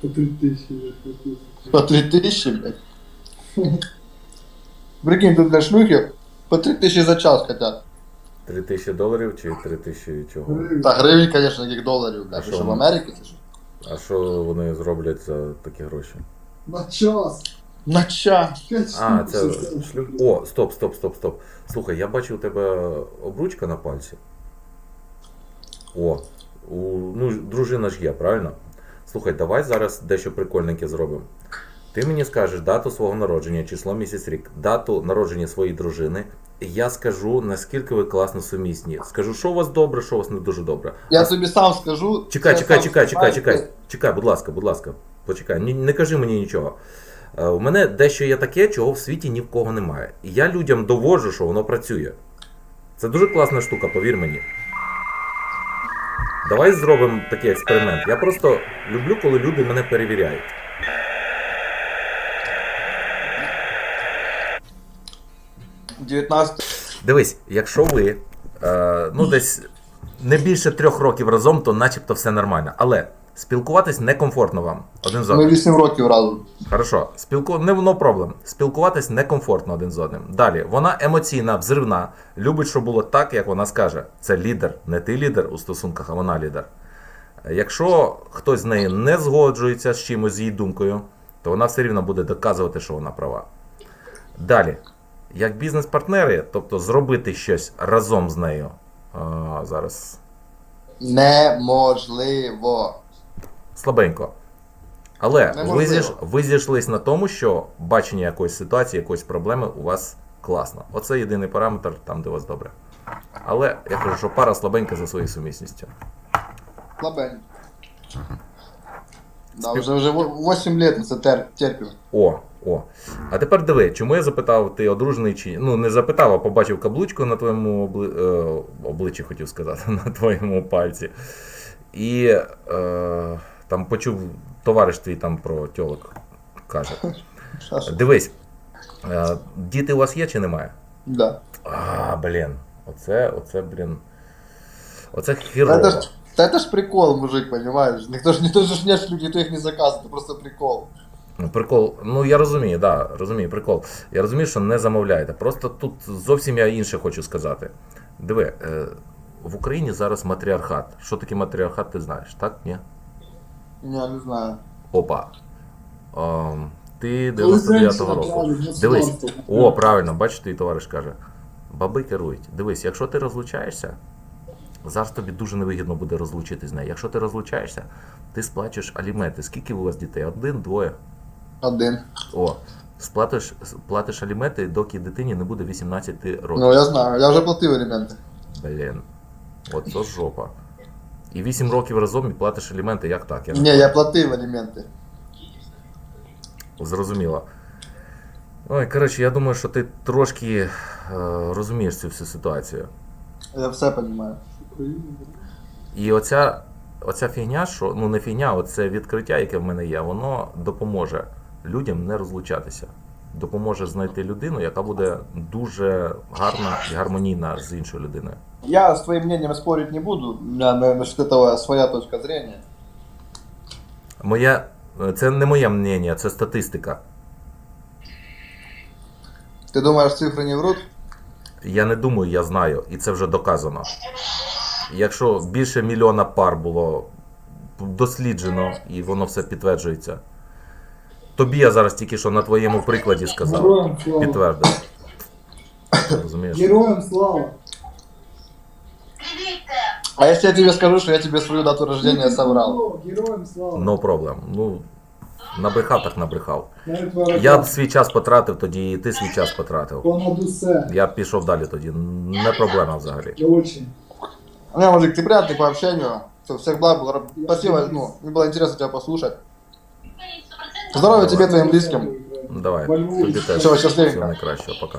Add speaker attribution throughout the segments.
Speaker 1: По 3000, блядь, по 1000.
Speaker 2: По 3000, блядь. Прикинь, тут для шлюхи по 3000 за час хотят.
Speaker 3: $3000 чи 3000 чого?
Speaker 2: Та гривень, конечно, яких доларів,
Speaker 3: А
Speaker 2: блядь. Ви
Speaker 3: що
Speaker 2: що, в
Speaker 3: вони?
Speaker 2: Америці чи що?
Speaker 3: А що вони зроблять за такі гроші?
Speaker 1: На час.
Speaker 2: На час.
Speaker 1: 5
Speaker 3: А,
Speaker 1: штук.
Speaker 3: це
Speaker 1: все.
Speaker 3: шлюб. О, стоп. Слухай, я бачив у тебе обручка на пальці. О, ну, дружина ж є, правильно? Слухай, давай зараз дещо прикольненьке зробимо. Ти мені скажеш дату свого народження, число, місяць, рік, дату народження своєї дружини. І я скажу, наскільки ви класно сумісні. Скажу, що у вас добре, що у вас не дуже добре.
Speaker 2: Я тобі сам скажу.
Speaker 3: Чекай,
Speaker 2: я сам знаю,
Speaker 3: чекай, будь ласка, почекай, не кажи мені нічого. У мене дещо є таке, чого в світі ні в кого немає. І я людям доводжу, що воно працює. Це дуже класна штука, повір мені. Давай зробимо такий експеримент. Я просто люблю, коли люди мене перевіряють.
Speaker 2: 19.
Speaker 3: Дивись, якщо ви ну десь не більше 3 років разом, то начебто все нормально. Але спілкуватись некомфортно вам один з
Speaker 2: Ми
Speaker 3: одним.
Speaker 2: 8 років разом.
Speaker 3: Хорошо, не no проблем. Спілкуватись некомфортно один з одним. Далі, вона емоційна, взривна, любить, щоб було так, як вона скаже. Це лідер, не ти лідер у стосунках, а вона лідер. Якщо хтось з нею не згоджується з чимось, з її думкою, то вона все рівно буде доказувати, що вона права. Далі, як бізнес-партнери, тобто зробити щось разом з нею. Зараз
Speaker 2: Неможливо.
Speaker 3: слабенько. Але
Speaker 2: Неможливо.
Speaker 3: ви зійшлись на тому, що бачення якоїсь ситуації, якоїсь проблеми у вас класно. Оце єдиний параметр там, де у вас добре. Але я кажу, що пара слабенька за своєю сумісністю.
Speaker 2: Слабень. Да, вже 8 лет це терпів.
Speaker 3: О. А тепер диви, чому я запитав, ти одружений чи. Ну, не запитав, а побачив каблучку на твоєму обличчі, хотів сказати, на твоєму пальці. І там почув, товариш твій там про тьолок каже. Дивись, діти у вас є чи немає?
Speaker 2: Да.
Speaker 3: Блін. Оце хірово.
Speaker 2: Это ж прикол, мужик, понимаешь? Никто ж нет, никто их не заказывает, это просто прикол.
Speaker 3: Ну, прикол, ну я розумію, розумію, прикол. Я розумію, що не замовляєте. Просто тут зовсім я інше хочу сказати. Диви, в Україні зараз матріархат. Що таке матріархат, ти знаєш, так? Ні?
Speaker 2: Не знаю.
Speaker 3: Опа. Ти 99-го року. Дивись, правильно, бачиш, твій товариш каже. Баби керують. Дивись, якщо ти розлучаєшся, зараз тобі дуже невигідно буде розлучитись з нею. Якщо ти розлучаєшся, ти сплачеш аліменти. Скільки у вас дітей? 1, 2?
Speaker 2: 1.
Speaker 3: Платиш аліменти, доки дитині не буде 18 років.
Speaker 2: Ну, я знаю, я вже платив аліменти.
Speaker 3: Блін. От це жопа. І 8 років разом і платиш аліменти, як так?
Speaker 2: Ні, я платив аліменти.
Speaker 3: Зрозуміло. Ой, коротше, я думаю, що ти трошки розумієш цю всю ситуацію.
Speaker 2: Я все розумію.
Speaker 3: І оця фігня, що, ну не фігня, оце відкриття, яке в мене є, воно допоможе людям не розлучатися. Допоможе знайти людину, яка буде дуже гарна і гармонійна з іншою людиною.
Speaker 2: Я с твоим мнением спорить не буду, у меня насчет этого своя точка зрения.
Speaker 3: Це не моє мнення, це статистика.
Speaker 2: Ты думаешь, цифры не врут?
Speaker 3: Я не думаю, я знаю, і це вже доказано. Якщо більше 1 мільйона пар було досліджено, і воно все підтверджується. Тобі я зараз тільки що на твоєму прикладі сказав.
Speaker 1: Героям слава.
Speaker 3: Підтвердив. Розумієш?
Speaker 1: Героям слава.
Speaker 2: А если я тебе скажу, что я тебе свою дату рождения соврал?
Speaker 1: Героям слава.
Speaker 3: No problem. Ну, набрехав так набрехав.
Speaker 1: Навіть ворога.
Speaker 3: Я б свій час потратив тоді, і ти свій час потратив.
Speaker 1: Понад усе.
Speaker 3: Я б пішов далі тоді. Не проблема взагалі.
Speaker 1: Очень.
Speaker 2: Не, мужик, ты приятный по общению. Всех благ, спасибо, ну, мне было интересно тебя послушать. Здоровья тебе, твоим близким.
Speaker 3: Давай,
Speaker 1: Во Львові.
Speaker 3: тобі теж.
Speaker 2: Всього щасливенько.
Speaker 3: Всього найкращого, пока.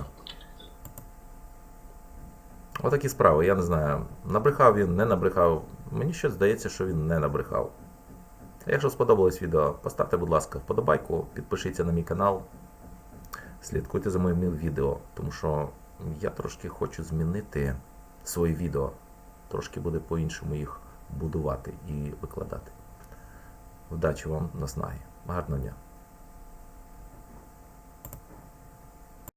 Speaker 3: Отакі справи, я не знаю. Набрехав він, не набрехав. Мені щось здається, що він не набрехав. Якщо сподобалось відео, поставте, будь ласка, вподобайку, підпишіться на мій канал, слідкуйте за моїми відео, тому що я трошки хочу змінити свої відео, трошки буде по-іншому їх будувати і викладати. Удачі вам, наснаги. Гарного дня.